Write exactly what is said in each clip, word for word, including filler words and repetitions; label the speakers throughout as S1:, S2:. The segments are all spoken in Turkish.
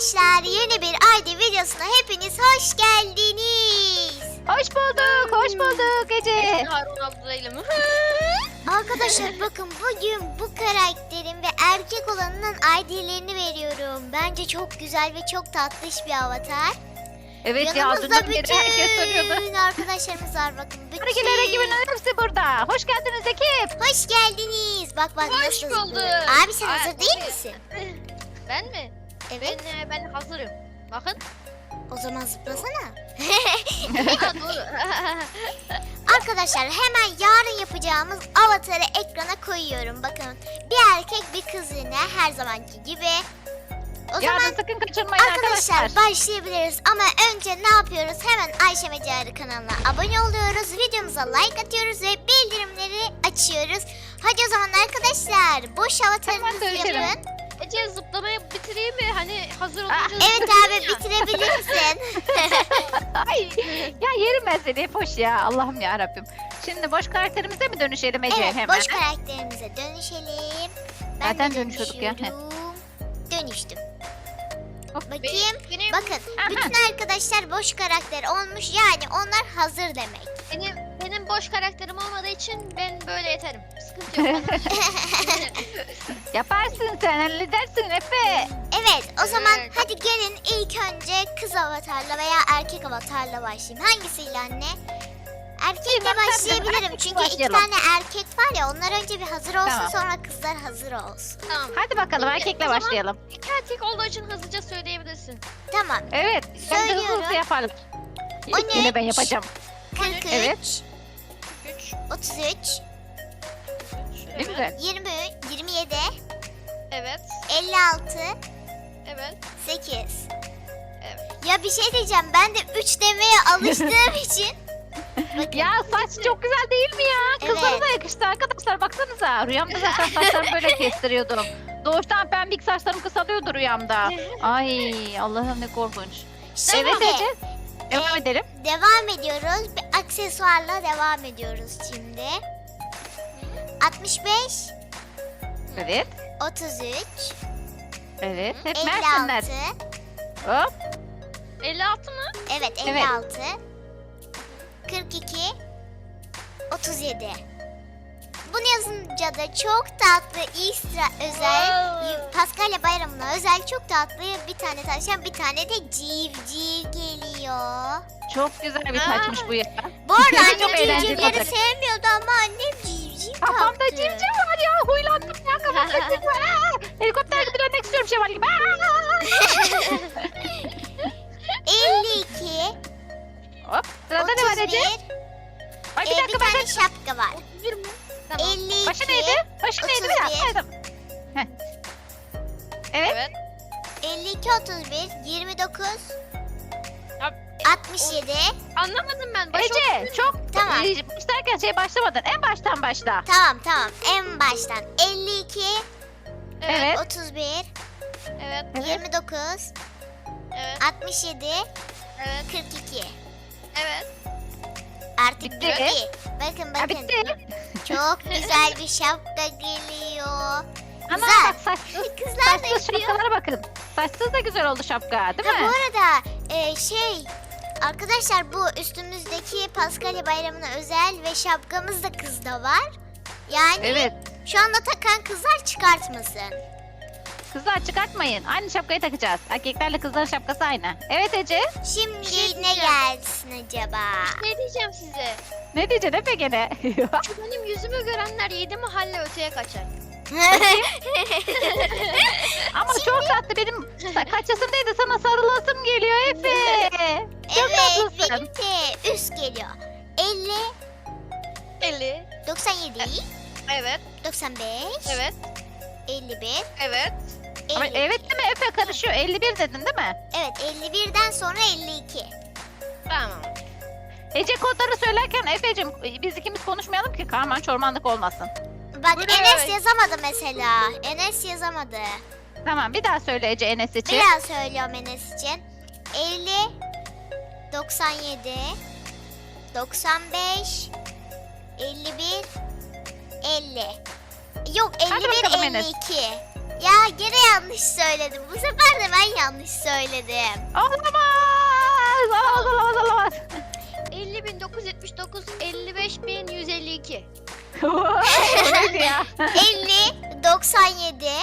S1: Arkadaşlar yeni bir I D videosuna hepiniz hoş geldiniz.
S2: Hoş bulduk, hoş bulduk Ece.
S3: Harun ablayla mı?
S1: Arkadaşlar bakın bugün bu karakterin ve erkek olanının I D'lerini veriyorum. Bence çok güzel ve çok tatlış bir avatar.
S2: Evet ya,
S1: Yanımızda
S2: dünden beri herkes soruyordu.
S1: bütün arkadaşlarımız var bakın. Bütün.
S2: Hareketler ekibinin hepsi burada. Hoş geldiniz ekip.
S1: Hoş geldiniz. Bak bak
S3: Hoş
S1: nasıl
S3: bulduk.
S1: zıplıyor. Abi sen
S3: Ay,
S1: hazır değil
S3: evet.
S1: misin?
S3: Ben mi?
S1: Evet.
S3: Ben e, ben hazırım. Bakın.
S1: O zaman zıplasana.
S3: Ha, doğru.
S1: Arkadaşlar hemen yarın yapacağımız avatarı ekrana koyuyorum. Bakın bir erkek bir kız yine her zamanki gibi. O
S2: Yarın
S1: zaman
S2: sakın kaçırmayın
S1: arkadaşlar,
S2: arkadaşlar.
S1: başlayabiliriz. Ama önce ne yapıyoruz? Hemen Ayşe Mecarı kanalına abone oluyoruz. Videomuza like atıyoruz ve bildirimleri açıyoruz. Hadi o zaman arkadaşlar boş avatarınızı
S2: dönüşelim.
S1: yapın.
S3: Ece zıplamayı bitireyim mi? Hani hazır
S2: Aa,
S3: olunca
S1: Evet abi bitirebilirsin.
S2: Ay, ya yerim ben seni, hoş ya, Allah'ım ya Rabbim. Şimdi boş karakterimize mi dönüşelim Ece
S1: Evet
S2: hemen?
S1: boş karakterimize dönüşelim. Ben
S2: Zaten
S1: de
S2: dönüşüyorduk ya.
S1: dönüşüyorum. Dönüştüm.
S2: Hop.
S1: Bakayım.
S3: benim, benim,
S1: Bakın
S2: Aha.
S1: bütün arkadaşlar boş karakter olmuş yani onlar hazır demek.
S3: benim, benim boş karakterim olmadığı için ben böyle yeterim. Sıkıntı yok.
S2: Yaparsın sen, halledersin Efe.
S1: Evet o zaman
S3: Evet.
S1: hadi gelin ilk önce kız avatarla veya erkek avatarla başlayayım. Hangisiyle anne? Erkekle
S2: Bilmem, sen de
S1: başlayabilirim
S2: erkekle
S1: çünkü iki
S2: başlayalım.
S1: tane erkek var ya onlar önce bir hazır olsun
S2: Tamam.
S1: sonra kızlar hazır olsun.
S3: Tamam.
S2: Hadi bakalım,
S3: Şimdi
S2: erkekle
S3: o zaman-
S2: başlayalım.
S3: İki erkek olduğu için hızlıca söyleyebilirsin.
S1: Tamam
S2: Evet, sen de hızlı
S1: Söylüyorum.
S2: hızlı yapalım.
S1: O
S2: İlk
S1: ne?
S2: yine ben yapacağım.
S1: kırk üç,
S2: Evet.
S3: Üç.
S1: otuz üç,
S2: Ne
S3: Evet.
S2: güzel.
S1: yirmi üç, yirmi yedi,
S3: Evet.
S1: elli altı,
S3: Evet.
S1: sekiz.
S3: Evet.
S1: Ya bir şey diyeceğim ben de üç demeye alıştığım için. Bakın.
S2: Ya saç çok güzel değil mi ya? Kızlara
S1: Evet.
S2: da yakıştı arkadaşlar, baksanıza. Rüyamda zaten saçlarımı böyle kestiriyordum. Doğuştan pembik saçlarım kısalıyordu rüyamda. Ay Allah'ım ne korkunç.
S1: Şimdi
S2: Evet Ece. Devam edelim.
S1: devam ediyoruz. Bir aksesuarla devam ediyoruz şimdi. altmış beş,
S2: Evet.
S1: otuz üç,
S2: Evet. Hep
S1: elli
S2: Mersinler.
S1: altı.
S2: Hop.
S3: elli altı mı?
S1: Evet
S2: Evet.
S1: elli altı. kırk iki, otuz yedi. Bunu yazınca da çok tatlı Easter özel,
S3: Wow.
S1: Paskalya bayramına özel çok tatlı bir tane tavşan bir tane de civciv geliyor.
S2: Çok güzel bir
S3: Aa.
S2: saçmış bu ya.
S1: Bu arada
S2: Çok
S1: annem
S2: eğlenceli
S1: civcivleri
S2: olacak.
S1: sevmiyordu ama annem civciv taktı.
S2: Kafamda civciv var ya. Huylandım ya. Kafamda civciv var. Aa! Helikopter gibi dönmek istiyorum Şevval gibi. Aa!
S1: elli iki,
S2: Hop. Sırada ne var
S1: otuz
S2: Ece?
S1: bir,
S2: Ay bir
S1: e, bir
S2: dakika ben
S1: tane
S2: de...
S1: şapka var.
S3: Bir mi? Tamam.
S1: elli iki,
S2: Başı neydi? Başı neydi? Bir dakika.
S1: otuz bir.
S2: Hayır, tamam. Heh. Evet.
S3: Evet.
S1: elli iki, otuz bir, yirmi dokuz,
S3: Ya,
S1: altmış yedi.
S3: Anlamadım ben. Başı
S2: Ece çok
S1: Tamam.
S2: e, başlarken şey başlamadın. En baştan başla.
S1: Tamam tamam en baştan elli iki,
S2: Evet.
S1: otuz bir,
S3: Evet.
S2: Evet.
S1: yirmi dokuz,
S3: Evet.
S1: altmış yedi,
S3: Evet.
S1: kırk iki.
S3: Evet.
S1: Artık
S2: Bitti.
S1: bitti. Bakın
S2: Ha,
S1: bakın.
S2: bitti.
S1: Çok güzel bir şapka geliyor.
S2: Ama
S1: Güzel.
S2: bak saçsız,
S1: Kızlar da
S2: saçsız
S1: yapıyor.
S2: şapkalara bakın. Saçsız da güzel oldu şapka değil
S1: Ha bu
S2: mi?
S1: arada e, şey arkadaşlar bu üstümüzdeki Paskalya bayramına özel ve şapkamız da kızda var. Yani
S2: Evet.
S1: şu anda takan kızlar çıkartmasın.
S2: Kızlar çıkartmayın. Aynı şapkayı takacağız. Erkeklerle kızların şapkası aynı. Evet Ece.
S1: Şimdi
S3: şey
S1: ne
S3: diyeceğim.
S1: gelsin acaba?
S3: Ne diyeceğim size?
S2: Ne diyeceksin Efe gene?
S3: Şu benim yüzümü görenler yedi mahalle öteye kaçar.
S2: Ama çok tatlı, benim kaçasındaydı, sana sarılasım geliyor Efe. Çok
S1: Evet
S2: tatlısın.
S1: benimki üst geliyor. elli,
S3: elli.
S1: doksan yedi,
S3: Evet.
S1: doksan beş,
S3: Evet.
S1: elli bir,
S3: Evet.
S2: Ama
S1: elli
S2: evet
S1: iki.
S2: değil mi Efe, karışıyor. elli bir dedin değil mi?
S1: Evet elli birden sonra elli iki.
S3: Tamam.
S2: Ece kodları söylerken Efe'cim biz ikimiz konuşmayalım ki karman çormanlık olmasın.
S1: Bak
S3: Buraya-
S1: Enes yazamadı mesela. Enes yazamadı.
S2: Tamam, bir daha söyle Ece Enes için.
S1: Bir daha söylüyorum Enes için. elli, doksan yedi, doksan beş, elli bir, elli. Yok
S2: Hadi
S1: elli bir,
S2: bakalım
S1: elli
S2: Enes.
S1: iki. Ya gene yanlış söyledim. Bu sefer de ben yanlış söyledim.
S2: Olamaz. Olamaz olamaz olamaz.
S3: elli bin dokuz yüz yetmiş dokuz, elli beş bin yüz elli iki.
S2: Öyle ya.
S1: elli, doksan yedi,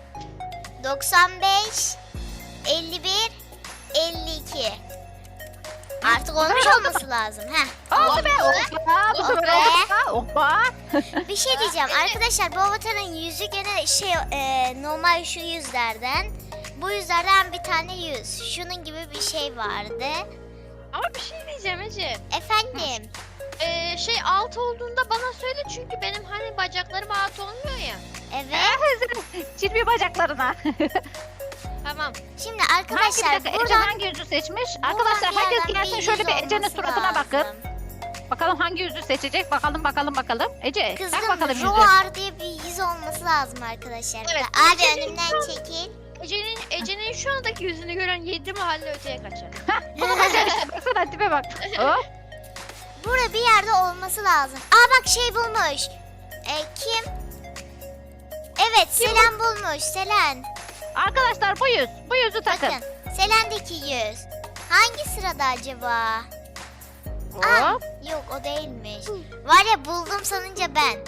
S1: doksan beş, elli bir, elli iki. Artık olmuş olması lazım. Heh.
S2: Oldu be. Hoppa. Bu sefer
S1: Be.
S2: oldu. Hoppa.
S1: Bir şey diyeceğim arkadaşlar, bu avatarın yüzü gene şey e, normal şu yüzlerden. Bu yüzlerden bir tane yüz. Şunun gibi bir şey vardı.
S3: Ama bir şey diyeceğim Ece.
S1: Efendim.
S3: Ee, şey alt olduğunda bana söyle çünkü benim hani bacaklarım alt olmuyor ya.
S1: Evet.
S2: Çirpi bacaklarına.
S3: Tamam.
S1: Şimdi
S2: Hangi
S1: arkadaşlar
S2: bir dakika Ece
S1: buradan,
S2: hangi yüzü seçmiş?
S1: buradan
S2: Arkadaşlar
S1: bir
S2: herkes
S1: yerden
S2: gelsin
S1: bir
S2: şöyle
S1: yüz
S2: bir Ece'nin
S1: olması
S2: suratına bakın.
S1: lazım.
S2: Bakalım hangi yüzü seçecek? Bakalım bakalım bakalım. Ece tak
S1: Kızım
S2: bakalım yüzü.
S1: Roar diye bir yüz olması lazım arkadaşlar.
S3: Evet,
S1: Abi
S3: Ece'nin
S1: önümden
S3: şu an-
S1: çekil.
S3: Ece'nin Ece'nin şu andaki yüzünü gören yedi mahalle öteye kaçar.
S2: Bunu başar işte. Baksana tipe bak. Hop.
S1: Burada bir yerde olması lazım. Aa bak şey bulmuş. E, kim? Evet Selen bulmuş. Selen.
S2: Arkadaşlar bu yüz. Bu yüzü takın.
S1: Bakın. Selen'deki yüz. Hangi sırada acaba? Aa,
S2: Hop.
S1: yok o değilmiş. Var ya buldum sanınca ben.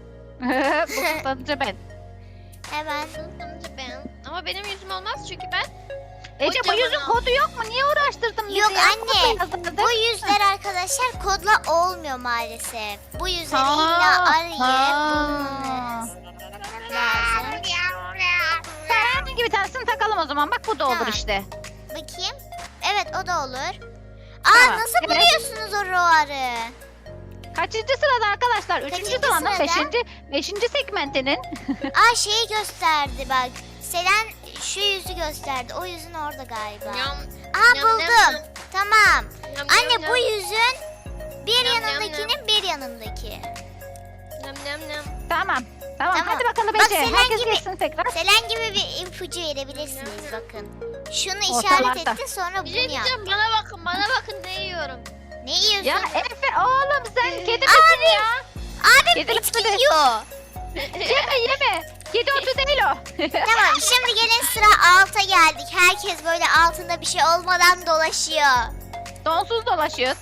S2: Bu tutanınca ben.
S1: Hemen.
S3: Sanırım ben. Ama benim yüzüm olmaz çünkü ben
S2: Ece bu
S3: Kocaman
S2: yüzün
S3: al.
S2: kodu yok mu? Niye uğraştırdın bizi
S1: Yok
S2: ya?
S1: anne,
S2: Kodla yazdırdık.
S1: Bu yüzler arkadaşlar kodla olmuyor maalesef. Bu yüzleri
S2: Ha,
S1: illa arayıp
S2: ha.
S1: bulmanız lazım.
S2: Sen herhangi bir tanesini takalım o zaman. Bak bu da olur
S1: Tamam.
S2: işte.
S1: Bakayım. Evet o da olur. Aa
S2: Tamam,
S1: nasıl
S2: evet.
S1: buluyorsunuz o roarı?
S2: Kaçıncı sırada arkadaşlar? Üçüncü
S1: Kaçıncı
S2: sıranın
S1: sırada?
S2: beşinci, beşinci segmentinin.
S1: Aa şeyi gösterdi bak. Selen şu yüzü gösterdi. O yüzün orada galiba.
S3: Yam,
S1: Aa
S3: yam,
S1: buldum.
S3: yam.
S1: Tamam.
S3: yam,
S1: Anne
S3: yam,
S1: bu
S3: yam.
S1: yüzün bir
S3: Yam, yam,
S1: yanındakinin bir yanındaki.
S3: Yam, yam, yam.
S2: Tamam. Tamam,
S1: Tamam.
S2: hadi bakalım
S1: Bak,
S2: Ece.
S1: Selen
S2: Herkes
S1: gibi-
S2: geçsin tekrar.
S1: Selen gibi bir ipucu verebilirsiniz bakın. Şunu
S2: Ortalarda.
S1: işaret ettin sonra
S3: Bir
S1: bunu
S3: şey
S1: yap.
S3: diyeceğim bana bakın bana bakın ne yiyorum.
S1: Ne yiyorsun?
S2: Ya Efe oğlum sen kedi misin ya?
S1: Abi
S2: Kedi
S1: bitki
S2: misin?
S1: yiyor.
S2: Yeme yeme. Kedi otu değil o.
S1: Tamam şimdi gelin sıra alta geldik. Herkes böyle altında bir şey olmadan dolaşıyor.
S2: Donsuz dolaşıyoruz.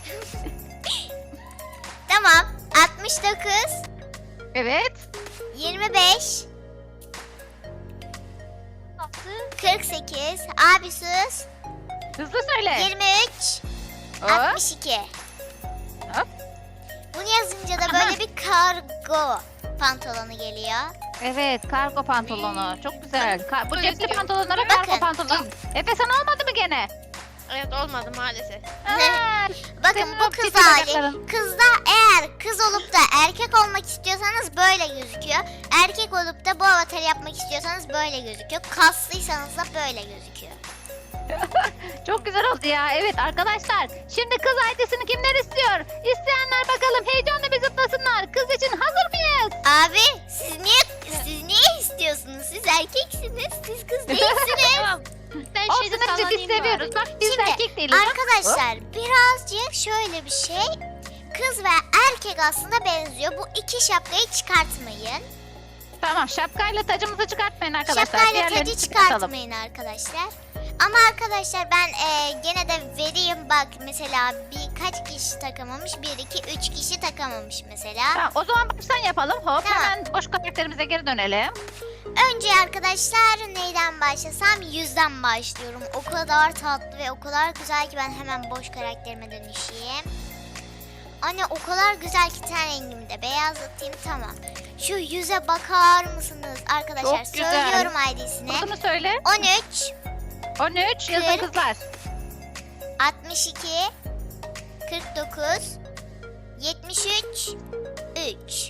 S1: Tamam. altmış dokuz,
S2: Evet.
S1: yirmi beş,
S3: Attı.
S1: kırk sekiz. Abi sus.
S2: Hızlı söyle.
S1: yirmi üç,
S2: Hop.
S1: altmış iki.
S2: Hop.
S1: Bunu yazınca da böyle bir kargo pantolonu geliyor.
S2: Evet, kargo pantolonu. Çok güzel. Ka- bu
S3: Öyle
S2: cepli
S3: diyor.
S2: pantolonlara
S1: Bakın.
S2: kargo pantolon. Efe sana olmadı mı gene?
S3: Evet olmadı maalesef.
S2: Aa,
S1: Bakın
S2: Senin
S1: bu
S2: o
S1: kız
S2: çirkin
S1: hali.
S2: bacakların.
S1: Kızda eğer kız olup da erkek olmak istiyorsanız böyle gözüküyor. Erkek olup da bu avatarı yapmak istiyorsanız böyle gözüküyor. Kaslıysanız da böyle gözüküyor.
S2: Çok güzel oldu ya. Evet arkadaşlar. Şimdi kız ailesini kimler istiyor? İsteyenler bakalım heyecanla bir zıplasınlar. Kız için hazır mıyız?
S1: Abi siz niye siz niye istiyorsunuz? Siz erkeksiniz. Siz kız değilsiniz.
S3: Tamam. Ben
S2: Olsun
S3: şeyde
S2: Ece biz
S3: sallanayım
S2: seviyoruz.
S3: bari.
S2: Bak biz
S1: Şimdi,
S2: erkek değiliz. Bak.
S1: Arkadaşlar birazcık şöyle bir şey. Kız ve erkek aslında benziyor. Bu iki şapkayı çıkartmayın.
S2: Tamam şapkayla tacımızı çıkartmayın arkadaşlar.
S1: Şapkayla
S2: Diğerlerini
S1: tacı
S2: çıkartalım.
S1: çıkartmayın arkadaşlar. Ama arkadaşlar ben e, gene de vereyim bak mesela birkaç kişi takamamış. Bir, iki, üç kişi takamamış mesela.
S2: Tamam, o zaman baştan yapalım. Hop
S1: Tamam.
S2: hemen boş karakterimize geri dönelim.
S1: Önce arkadaşlar neyden başlasam? Yüzden başlıyorum. O kadar tatlı ve o kadar güzel ki ben hemen boş karakterime dönüşeyim. Anne o kadar güzel ki ten rengimi de beyazlatayım tamam. Şu yüze bakar mısınız arkadaşlar?
S2: Çok güzel.
S1: Söylüyorum I D'sine.
S2: Kodunu söyle.
S1: on üç,
S2: on üç yazın
S1: Kırk.
S2: kızlar.
S1: altmış iki, kırk dokuz, yetmiş üç, üç.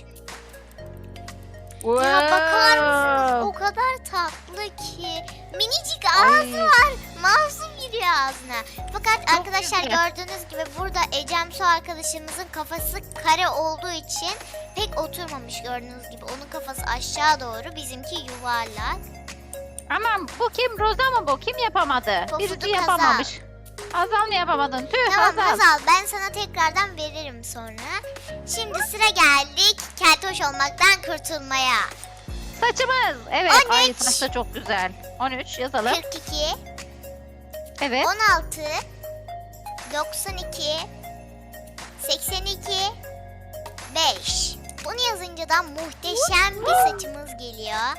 S1: Ya bakar mısınız? O kadar tatlı ki. Minicik ağzı
S2: Ay.
S1: var. Masum giriyor ağzına. Fakat
S2: Çok
S1: arkadaşlar
S2: güzel.
S1: gördüğünüz gibi burada Ecem Su arkadaşımızın kafası kare olduğu için pek oturmamış gördüğünüz gibi. Onun kafası aşağı doğru, bizimki yuvarlak.
S2: Aman bu kim? Roza mı bu? Kim yapamadı?
S1: Pofuduk
S2: Birisi yapamamış. Hazal mı yapamadın? Tüh
S1: Tamam
S2: Hazal.
S1: Hazal, ben sana tekrardan veririm sonra. Şimdi sıra geldik keltoş olmaktan kurtulmaya.
S2: Saçımız. Evet.
S1: on
S2: Ay
S1: üç.
S2: saç da çok güzel. on üç yazalım.
S1: kırk iki,
S2: Evet.
S1: on altı, doksan iki, seksen iki, beş. Bunu yazınca da muhteşem bir saçımız geliyor.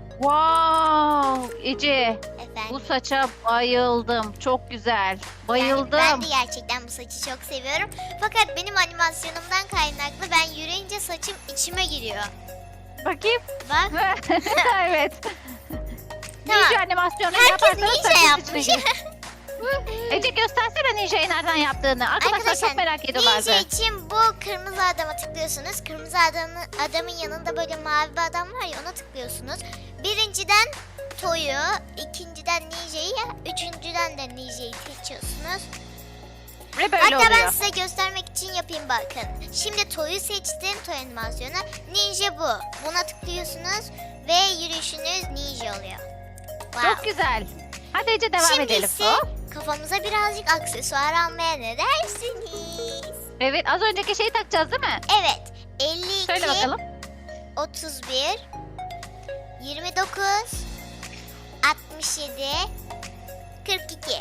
S2: Wow. Ece. Bu
S1: Efendim.
S2: saça bayıldım. Çok güzel. Bayıldım.
S1: Yani ben de gerçekten bu saçı çok seviyorum. Fakat benim animasyonumdan kaynaklı ben yürüyünce saçım içime giriyor.
S2: Bakayım.
S1: Bak.
S2: Evet.
S1: Tamam.
S2: Ninja animasyonu
S1: Herkes
S2: yaparsanız
S1: ninja
S2: saçınız
S1: yapmış.
S2: içine girer. Ece göstersene ninja'yı nereden yaptığını. Arkadaşlar, çok merak ediyorlardı.
S1: ninja için bu kırmızı adama tıklıyorsunuz. Kırmızı adamın, adamın yanında böyle mavi bir adam var ya, ona tıklıyorsunuz. Birinciden Toy'u, ikinciden Ninja'yı, üçüncüden de Ninja'yı seçiyorsunuz.
S2: Ve böyle
S1: Hatta
S2: oluyor.
S1: ben size göstermek için yapayım, bakın. Şimdi Toy'u seçtim, Toy animasyonu. Ninja bu. Buna tıklıyorsunuz ve yürüyüşünüz ninja oluyor. Wow.
S2: Çok güzel. Hadi Ece devam
S1: Şimdi
S2: edelim.
S1: ise
S2: Hop.
S1: kafamıza birazcık aksesuar almaya ne dersiniz?
S2: Evet, az önceki şeyi takacağız değil mi?
S1: Evet. elli
S2: Söyle
S1: iki,
S2: bakalım.
S1: otuz bir, yirmi dokuz, altmış yedi, kırk iki.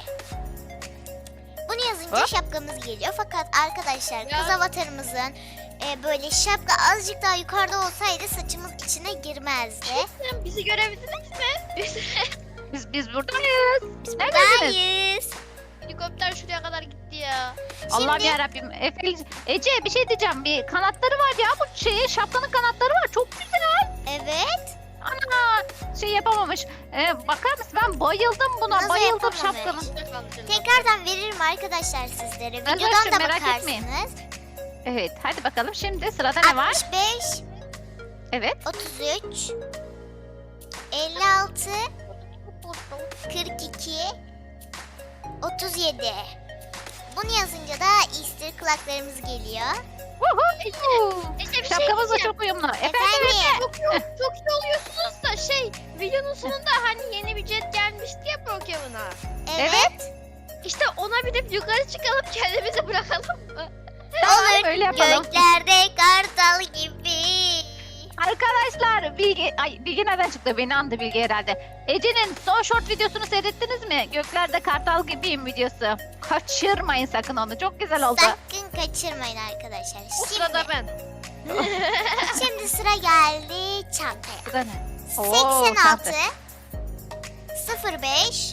S1: Bunu yazınca
S2: Hop.
S1: şapkamız geliyor. Fakat arkadaşlar,
S3: Ya.
S1: kız avatarımızın e, böyle şapka azıcık daha yukarıda olsaydı saçımız içine girmezdi.
S3: Sen bizi görebildiniz mi? Biz
S2: Biz biz buradayız.
S1: Biz
S2: Neredesiniz?
S1: buradayız.
S3: helikopter şuraya kadar gitti ya.
S2: Allah'ım
S1: Şimdi-
S2: yarabbim. Efe, Ece bir şey diyeceğim. Bir kanatları var ya, bu şeye şapkanın kanatları var. Çok güzel.
S1: Evet.
S2: Ana şey yapamamış. Ee, bakar mısın? Ben bayıldım buna.
S1: Nasıl
S2: bayıldım
S1: yapamamış?
S2: şapkanın.
S3: İçinde kaldı canım.
S1: Tekrardan veririm arkadaşlar sizlere.
S2: Ben
S1: Videodan
S2: zaten
S1: da
S2: merak
S1: bakarsınız.
S2: etmeyin. Evet, hadi bakalım. Şimdi sırada ne var?
S1: altmış beş,
S2: Evet.
S1: otuz üç, elli altı, kırk iki, otuz yedi. Bunu yazınca da Easter kulaklarımız geliyor.
S2: Woohoo!
S3: İşte bir şey
S2: Şapkamızla
S3: diyeceğim.
S2: çok uyumlu. Efendim?
S1: Efendim.
S3: Çok iyi, çok iyi oluyorsunuz da şey, videonun sonunda hani yeni bir jet gelmişti ya Pokemon'a.
S1: Evet.
S3: İşte ona binip yukarı çıkalım, kendimizi bırakalım mı?
S2: Tamam,
S1: Olur.
S2: öyle yapalım.
S1: Göklerde kartal gibi.
S2: Arkadaşlar Bilge, ay Bilge nereden çıktı? Beni andı Bilge herhalde. Ece'nin son short videosunu seyrettiniz mi? Göklerde kartal gibiyim videosu. Kaçırmayın sakın onu. Çok güzel oldu.
S1: Sakın kaçırmayın arkadaşlar.
S3: O sırada
S1: Şimdi,
S3: ben.
S1: şimdi sıra geldi çantaya.
S2: Bu da ne? Oo,
S1: seksen altı,
S2: çanta.
S1: sıfır beş,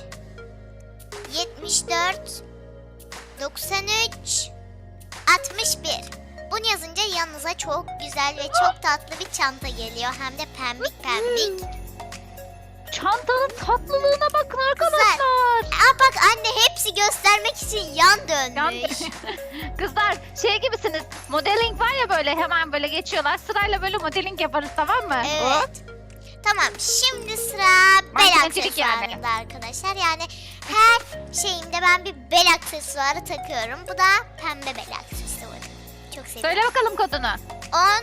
S1: yetmiş dört, doksan üç, altmış bir. Bunu yazınca yanınıza çok güzel ve çok tatlı bir çanta geliyor. Hem de pembik pembik.
S2: Çantanın tatlılığına bakın arkadaşlar.
S1: Aa bak anne, hepsi göstermek için yan
S2: Yan-
S1: dönmüş.
S2: Kızlar şey gibisiniz. Modeling var ya, böyle hemen böyle geçiyorlar. Sırayla böyle modeling yaparız, tamam mı? Hop.
S1: Evet. Tamam, şimdi sıra bel
S2: Makinencilik yani.
S1: aksesuarında arkadaşlar. Yani her şeyimde ben bir bel aksesuarı takıyorum. Bu da pembe bel aksesuarı. Çok seviyorum.
S2: Söyle bakalım kodunu.
S1: on,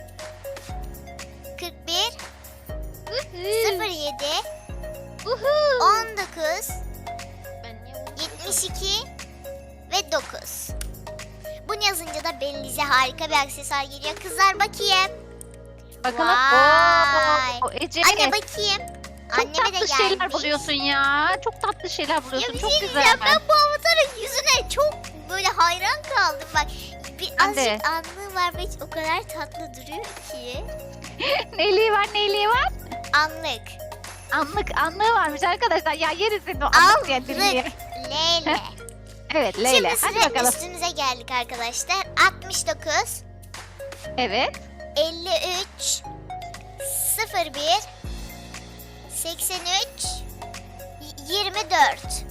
S1: kırk bir, sıfır yedi, on dokuz,
S3: Ben niye unuttum?
S1: yetmiş iki ve dokuz. Bunu yazınca da belinize harika bir aksesuar geliyor. Kızlar bakayım.
S2: Bakalım.
S1: Vay.
S2: Oo, Ece.
S1: Anne bakayım.
S2: Çok
S1: Anneme de
S2: tatlı
S1: gelmiş.
S2: şeyler buluyorsun ya. Çok tatlı şeyler
S1: Ya
S2: buluyorsun.
S1: bir
S2: Çok
S1: şey
S2: güzel.
S1: diyeceğim, ben bu avatarın yüzüne çok böyle hayran kaldım bak. Bir
S2: Ben de.
S1: azıcık anlığı var ve o kadar tatlı duruyor ki.
S2: Neyliği var, neyliği var?
S1: Anlık.
S2: Anlık, anlığı varmış arkadaşlar. Ya yeriz seni o anlık diye dinleyin.
S1: Anlık. Leyla.
S2: Evet Leyla.
S1: Şimdi
S2: Hadi
S1: sıra
S2: bakalım.
S1: üstümüze geldik arkadaşlar. altmış dokuz,
S2: Evet.
S1: elli üç, sıfır bir, seksen üç, yirmi dört.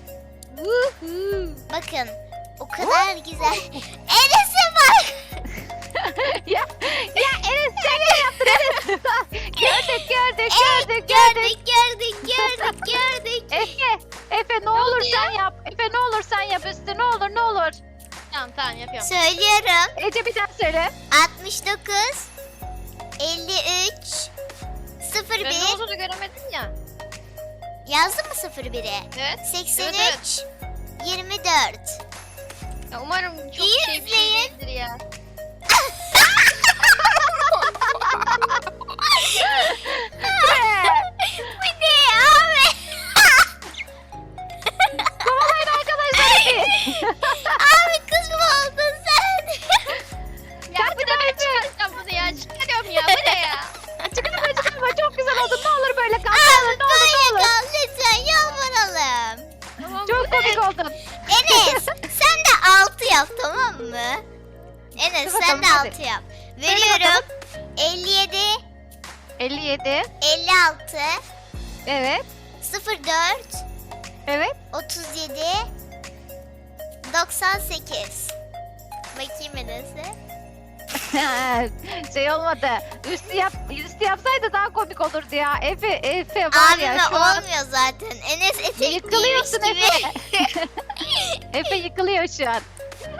S1: Bakın o kadar güzel. Enes'e bak.
S2: ya, ya Enes sen ne yaptın Enes? gördük, gördük,
S1: Evet,
S2: gördük, gördük.
S1: gördük, gördük, gördük, gördük.
S2: Efe, Efe ne olur sen yap. Efe ne olur sen yap üstü, ne olur ne olur.
S3: Tamam tamam yapıyorum.
S1: Söylüyorum.
S2: Ece bir daha söyle.
S1: altmış dokuz, elli üç, sıfır
S3: Ben ne
S1: bir.
S3: olduğunu göremedim ya.
S1: Yazdın mı sıfır biri?
S3: Evet.
S1: seksen
S3: Evet,
S1: üç, yirmi dört.
S3: Ya umarım çok
S1: İyi
S3: şey bir şey
S1: izleyin.
S3: değildir ya.
S1: altı yap. Veriyorum. elli yedi,
S2: elli yedi.
S1: elli altı,
S2: Evet.
S1: sıfır dört,
S2: Evet.
S1: otuz yedi, doksan sekiz. Bakayım Enes'e.
S2: Şey olmadı. Üstü yap, üstü yapsaydı daha komik olurdu ya. Efe, Efe var ya
S1: Abime
S2: şu an
S1: olmuyor zaten. Enes etek giymiş
S2: yıkılıyorsun
S1: gibi.
S2: Efe. Efe yıkılıyor şu an.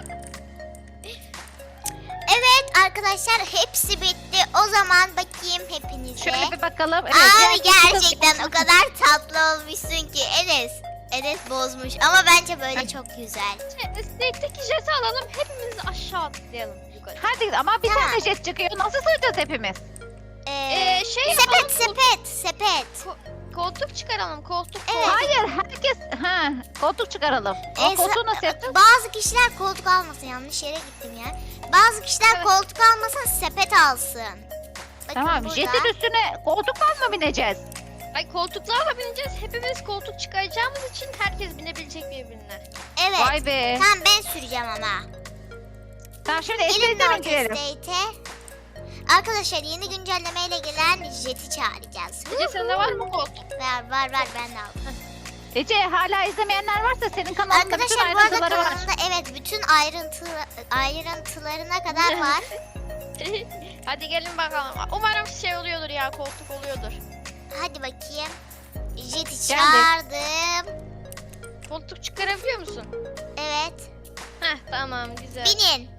S1: Evet arkadaşlar hepsi bitti. O zaman bakayım hepinize.
S2: Şöyle bir bakalım. Evet,
S1: Abi
S2: diğer-
S1: gerçekten o kadar tatlı olmuşsun ki Enes. Enes bozmuş ama bence böyle çok güzel.
S3: Snake'deki jeti alalım. Hepimiz aşağı atlayalım yukarı.
S2: Hadi ama bir
S1: Tamam.
S2: tane jet çıkıyor. Nasıl sığacağız hepimiz?
S1: Ee,
S3: Ee, şey
S1: sepet
S3: yapalım,
S1: sepet sepet.
S3: Koltuk çıkaralım. Koltuk.
S1: Evet.
S3: koltuk.
S2: Hayır, herkes ha koltuk çıkaralım. O
S1: Ee,
S2: koltuğu
S1: sa-
S2: nasıl yapacağız?
S1: Bazı kişiler koltuk almasın, yanlış yere gittim ya. Bazı kişiler
S3: Evet.
S1: koltuk almasın, sepet alsın. Bakın
S2: Tamam,
S1: burada.
S2: jetin üstüne koltukla mı bineceğiz?
S3: Ay koltuklarla bineceğiz. Hepimiz koltuk çıkaracağımız için herkes binebilecek birbirine.
S1: Evet.
S2: Vay be.
S1: Tamam ben süreceğim ama.
S2: Tamam şimdi
S1: Gelin
S2: estate'e mi
S1: North
S2: girelim?
S1: Estate'e. Arkadaşlar yeni güncellemeyle gelen jeti çağıracağız.
S3: Ece sende var mı koltuk?
S1: Var var var ben de aldım.
S2: Ece hala izlemeyenler varsa senin kanalında bütün
S1: Arkadaşlar bu arada
S2: ayrıntıları var.
S1: kanalımda evet bütün ayrıntı ayrıntılarına kadar var.
S3: Hadi gelin bakalım. Umarım şey oluyordur ya. Koltuk oluyordur.
S1: Hadi bakayım. Jeti
S2: Geldik.
S1: çağırdım.
S3: Koltuk çıkarabiliyor musun?
S1: Evet.
S3: Heh tamam güzel.
S1: Binin.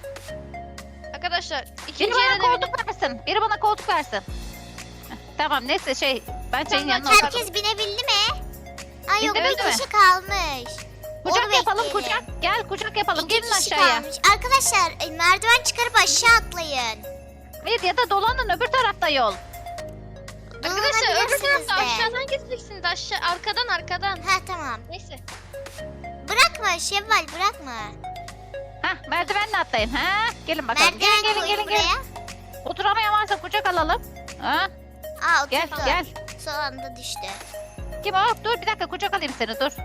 S3: Arkadaşlar
S2: Biri
S3: ikinci
S2: bana
S3: yere de binin.
S2: koltuk versin. Biri bana koltuk versin. Heh, Tamam neyse şey ben senin
S3: Tamam,
S2: yanına oturayım.
S1: Herkes binebildi mi? Ay yok
S2: Binebildi
S1: bir
S2: mi?
S1: kişi kalmış.
S2: Kucak
S1: Onu
S2: yapalım
S1: bekleyelim.
S2: kucak. Gel kucak yapalım.
S1: İki
S2: Gelin
S1: kişi
S2: aşağıya.
S1: kalmış. Arkadaşlar e, merdiven çıkarıp aşağı atlayın.
S2: Hayır ya da dolanın öbür tarafta yol.
S3: Arkadaşlar öbür
S1: Dolanabilirsiniz
S3: tarafta
S1: de.
S3: aşağıdan geçeceksiniz. Aşağı arkadan arkadan.
S1: Ha tamam.
S3: Neyse.
S1: Bırakma Şevval bırakma.
S2: Hah merdivenle atlayın. Ha gelin bakalım.
S1: Merdiven
S2: gelin gelin
S1: koyun
S2: gelin
S1: buraya.
S2: gelin. Oturamayan varsa kucak alalım. Ha
S1: Aa
S2: gel
S1: oturdu.
S2: gel.
S1: Son anda düştü.
S2: Kim o? Dur bir dakika kucak alayım seni dur.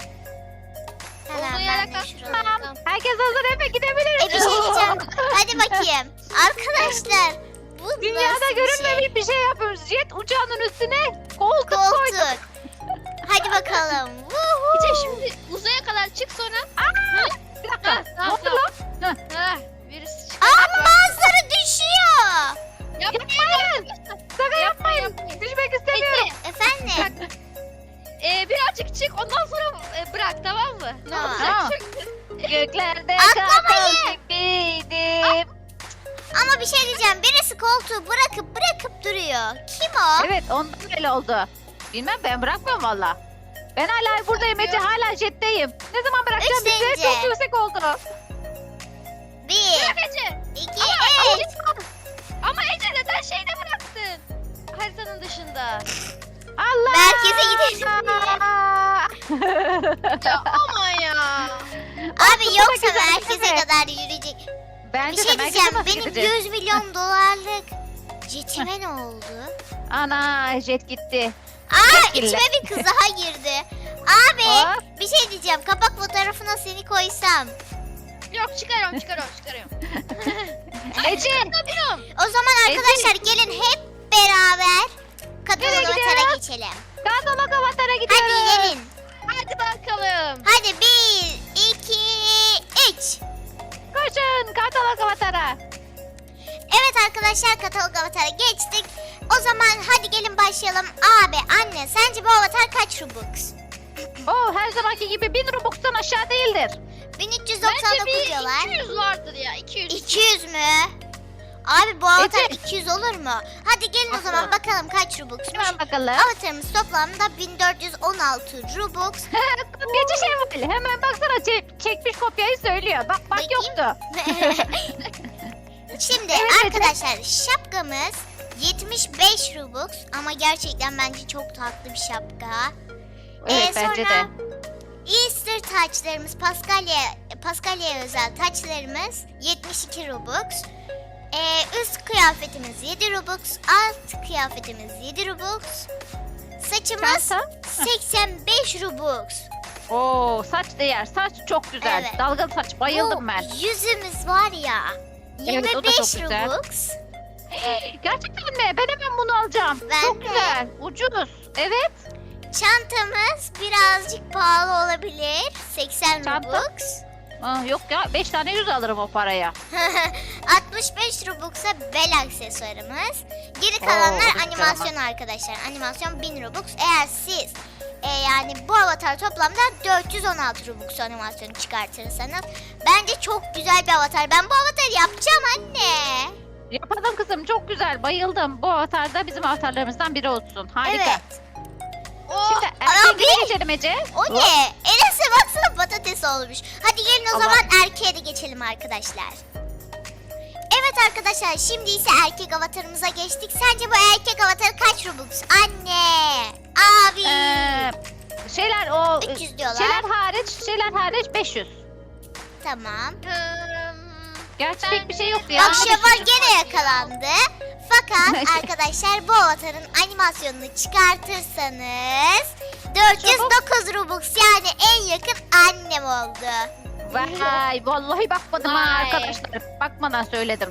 S1: Tamam
S3: Olduğu
S1: ben
S3: yere
S1: de
S3: kalk.
S1: şuraya.
S3: Tamam.
S2: Herkes hazır Efe gidebiliriz.
S1: E bir şey diyeceğim. Hadi bakayım. Arkadaşlar bu
S2: Dünyada
S1: nasıl bir
S2: görünmemiş
S1: şey?
S2: bir şey yapıyoruz. Jet uçağının üstüne koltuk, koyduk.
S1: Koltuk. Hadi bakalım. Vuhu.
S3: Ece şimdi uzaya kadar çık sonra.
S2: Aa, bir dakika.
S3: Ha,
S2: Ne
S3: tamam,
S2: oldu
S3: tamam.
S2: lan?
S3: Ha, birisi çık.
S1: Aa bazıları düşüyor.
S2: Yapmayın. Sakın yapmayın. Düşmek istemiyorum.
S1: Efendim.
S3: Ee, birazcık çık ondan sonra e, bırak tamam mı? Ne
S1: Tamam.
S3: olacak
S2: Tamam.
S3: şimdi?
S2: Göklerde
S1: Atlamayın.
S2: kartal gibiydim.
S1: Ama bir şey diyeceğim. Birisi koltuğu bırakıp bırakıp duruyor. Kim o?
S2: Evet ondan öyle oldu. Bilmem ben bırakmıyorum valla. Ben hala buradayım Ece hala jetteyim. Ne zaman bırakacağım
S1: Üç
S2: bizi?
S1: deyince.
S2: Çok yüksek oldu.
S1: Bir,
S3: Bırak Ece.
S1: iki,
S3: Ama,
S1: üç.
S3: ama Ece neden şeyde bıraktın? Haritanın dışında.
S2: Allah.
S1: Merkeze gidelim
S3: Ya ama ya.
S1: Abi yoksa
S2: güzel,
S1: merkeze
S2: değil mi?
S1: kadar yürüyecek.
S2: Bence
S1: Bir şey
S2: de merkeze
S1: diyeceğim.
S2: nasıl
S1: Benim
S2: gideceğiz?
S1: yüz milyon dolarlık jetime ne oldu?
S2: Ana jet gitti.
S1: Aa
S2: Teşekkürler.
S1: içime bir kız daha girdi. Abi
S2: Hop.
S1: bir şey diyeceğim. Kapak fotoğrafına seni koysam.
S3: Yok çıkarıyorum çıkarıyorum çıkarıyorum.
S2: Ece.
S3: Çıkarıyorum.
S1: O zaman arkadaşlar gelin hep beraber
S2: Nereye
S1: Katalog Atar'a
S2: gidiyoruz?
S1: geçelim.
S2: Katalog Avatar'a
S1: Hadi
S2: gidiyoruz.
S1: gelin.
S3: Hadi bakalım.
S1: Hadi bir, iki, üç.
S2: Koşun Katalog Avatar'a.
S1: Evet arkadaşlar Katalog Avatar'a geçtik. O zaman hadi gelin başlayalım. Abi anne sence bu avatar kaç Robux?
S2: Oo her zamanki gibi bin Robux'tan aşağı değildir.
S1: bin üç yüz
S3: Bence
S1: doksan dokuz
S3: bir
S1: diyorlar.
S3: iki yüz vardır ya. iki yüz.
S1: iki yüz mü? Abi bu avatar
S2: Ece.
S1: iki yüz olur mu? Hadi gelin o zaman bakalım kaç Robux'muş.
S2: Hemen bakalım.
S1: Avatarımız toplamda bin dört yüz on altı Robux.
S2: Kopyacı şey var. Hemen baksana çek- çekmiş kopyayı söylüyor. Bak bak
S1: Bakayım.
S2: yoktu.
S1: Şimdi
S2: Evet, Ece.
S1: arkadaşlar şapkamız yetmiş beş Robux ama gerçekten bence çok tatlı bir şapka.
S2: Evet
S1: Ee,
S2: bence de.
S1: sonra Easter taçlarımız, Paskalya Paskalya'ya özel taçlarımız yetmiş iki Robux. Ee, üst kıyafetimiz yedi Robux, alt kıyafetimiz yedi Robux. Saçımız
S2: Çanta.
S1: seksen beş Robux.
S2: Oo saç değer. Saç çok güzel.
S1: Evet.
S2: Dalgalı saç bayıldım
S1: Bu
S2: ben.
S1: yüzümüz var ya
S2: Evet, o da
S1: yirmi beş
S2: çok güzel.
S1: Robux.
S2: Gerçekten mi? Ben hemen bunu alacağım.
S1: Ben
S2: Çok
S1: de.
S2: güzel. Ucuz. Evet.
S1: Çantamız birazcık pahalı olabilir. seksen
S2: Çanta?
S1: Robux.
S2: Aa, yok ya, beş tane yüz alırım o paraya.
S1: altmış beş Robux'a bel aksesuarımız. Geri kalanlar
S2: Oo, güzel
S1: animasyon arkadaşlar. Animasyon bin Robux. Eğer siz e, yani bu avatar toplamda dört yüz on altı Robux animasyonu çıkartırsanız bence çok güzel bir avatar. Ben bu avatarı yapacağım anne.
S2: Yapalım kızım, çok güzel. Bayıldım. Bu avatar da bizim avatarlarımızdan biri olsun. Harika.
S1: Evet.
S2: Şimdi
S1: Abi!
S2: erkeğe geçelim Ece.
S1: O ne? Enes'e baksana patates olmuş. Hadi gelin o
S2: Allah.
S1: zaman erkeğe de geçelim arkadaşlar. Evet arkadaşlar, şimdi ise erkek avatarımıza geçtik. Sence bu erkek avatarı kaç Robux? Anne, abi.
S2: Ee, şeyler o
S1: üç yüz diyorlar.
S2: şeyler hariç, şeyler hariç beş yüz.
S1: Tamam.
S3: Hmm,
S2: Gerçi
S3: Ben-
S2: pek bir şey yoktu ya.
S1: Bak Şevval gene yakalandı. Fakat
S2: Neyse.
S1: arkadaşlar bu avatarın animasyonunu çıkartırsanız dört yüz dokuz Robux, yani en yakın annem oldu.
S2: Vay, vallahi bakmadım ha
S3: Vay.
S2: arkadaşlar. Bakmadan söyledim.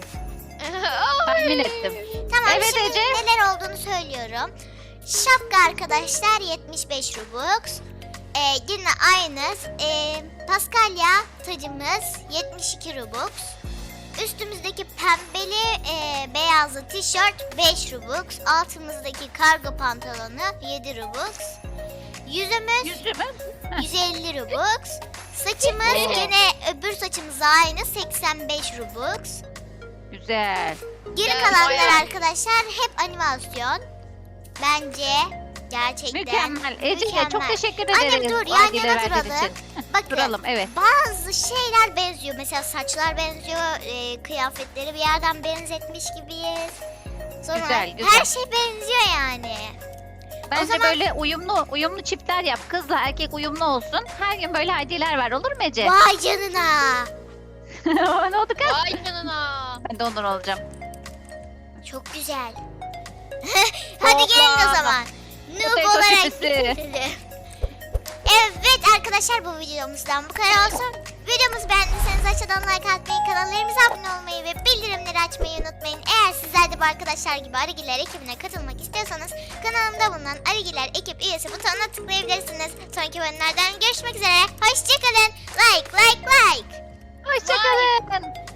S2: Tahmin ettim.
S1: Tamam,
S2: Evet,
S1: şimdi
S2: Ece.
S1: neler olduğunu söylüyorum. Şapka arkadaşlar yetmiş beş Robux. Ee, yine aynı. Ee, Paskalya tacımız yetmiş iki Robux. Üstümüzdeki pembeli e, beyazlı tişört beş Robux. Altımızdaki kargo pantolonu yedi Robux. Yüzümüz
S2: Yüzümü.
S1: yüz elli Robux. Saçımız
S2: Oo.
S1: gene öbür saçımız aynı seksen beş Robux.
S2: Güzel.
S1: Geri
S3: Yani
S1: kalanlar
S3: bayağı-
S1: arkadaşlar hep animasyon. Bence gerçekten
S2: Mükemmel. Ece'ye çok
S1: mükemmel.
S2: teşekkür
S1: Annem
S2: ederiz.
S1: dur,
S2: bu
S1: yan
S2: hediyeleri
S1: yana
S2: verdiğin
S1: duralım.
S2: için.
S1: Bakın
S2: Duralım, evet.
S1: bazı şeyler benziyor. Mesela saçlar benziyor, e, kıyafetleri bir yerden benzetmiş gibiyiz. Sonra
S2: Güzel, güzel.
S1: her şey benziyor yani.
S2: Bence
S1: zaman-
S2: böyle uyumlu uyumlu çiftler yap. Kızla erkek uyumlu olsun. Her gün böyle hediyeler ver, olur mu Ece?
S1: Vay canına.
S2: Ne oldu kız?
S3: Vay canına.
S2: Ben de ondan olacağım.
S1: Çok güzel. Hadi gelin o
S2: Hoppa.
S1: zaman. Noob
S2: Potato
S1: olarak
S2: çipisi.
S1: bitirelim. Evet arkadaşlar, bu videomuzdan bu kadar olsun. Videomuzu beğendiyseniz aşağıdan like atmayı, kanallarımıza abone olmayı ve bildirimleri açmayı unutmayın. Eğer sizler de bu arkadaşlar gibi Arıgiler ekibine katılmak istiyorsanız kanalımda bulunan Arıgiler ekip üyesi butonuna tıklayabilirsiniz. Sonraki bölümlerden görüşmek üzere. Hoşçakalın. Like like like.
S2: Hoşçakalın.